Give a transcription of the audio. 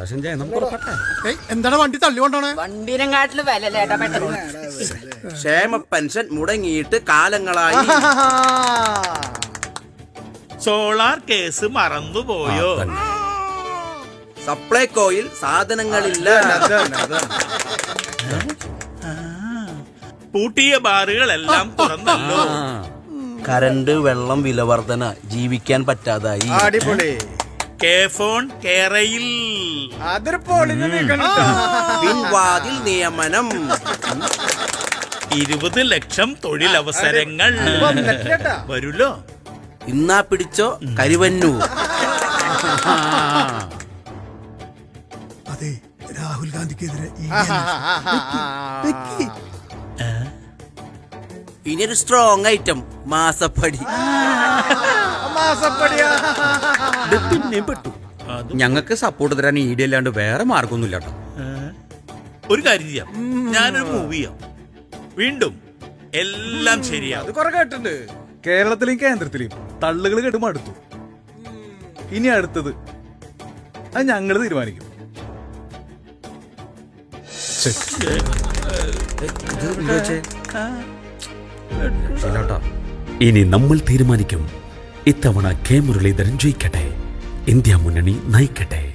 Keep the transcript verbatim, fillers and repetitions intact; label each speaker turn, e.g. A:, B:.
A: എന്താണ് വണ്ടി തള്ളിക്കൊണ്ടാണ്?
B: വണ്ടിനെങ്കാട്ടില് വിലല്ലേട്ടാ പെട്രോൾ.
C: ക്ഷേമ പെൻഷൻ മുടങ്ങിയിട്ട് കാലങ്ങളായി.
D: സോളാർ കേസ് മറന്നുപോയോ?
C: സപ്ലൈകോയിൽ സാധനങ്ങളില്ല.
D: പൂട്ടിയ ബാറുകളെല്ലാം തുറന്നല്ലോ.
C: കരണ്ട് വെള്ളം വില വർധന ജീവിക്കാൻ പറ്റാതായി.
A: അടിപൊളി.
D: കെ ഫോൺ കേരയിൽ
C: പിൻവാതിൽ നിയമനം.
D: ഇരുപത് ലക്ഷം തൊഴിലവസരങ്ങൾ വരുല്ലോ.
C: ഇന്നാ പിടിച്ചോ കരുവന്നൂർ.
A: അതെ, രാഹുൽ ഗാന്ധിക്കെതിരെ
C: ഇനിയൊരു സ്ട്രോങ് ഐറ്റം മാസപ്പടി.
E: പിന്നെ പെട്ടു. ഞങ്ങൾക്ക് സപ്പോർട്ട് തരാൻ ഈടി അല്ലാണ്ട് വേറെ മാർഗമൊന്നുമില്ല കേട്ടോ.
D: ഒരു കാര്യം ചെയ്യാം, ഞാനൊരു മൂവിയാം. വീണ്ടും എല്ലാം ശരിയാവും.
F: കുറെ കേട്ടിട്ടുണ്ട്. കേരളത്തിലെയും കേന്ദ്രത്തിലെയും തള്ളുകൾ കേട്ട് മടുത്തു. ഇനി അടുത്തത് അത് ഞങ്ങള് തീരുമാനിക്കും.
E: ഇനി നമ്മൾ തീരുമാനിക്കും. ഇത്തവണ കെ മുരളീധരൻ ജയിക്കട്ടെ, ഇന്ത്യ മുന്നണി നയിക്കട്ടെ.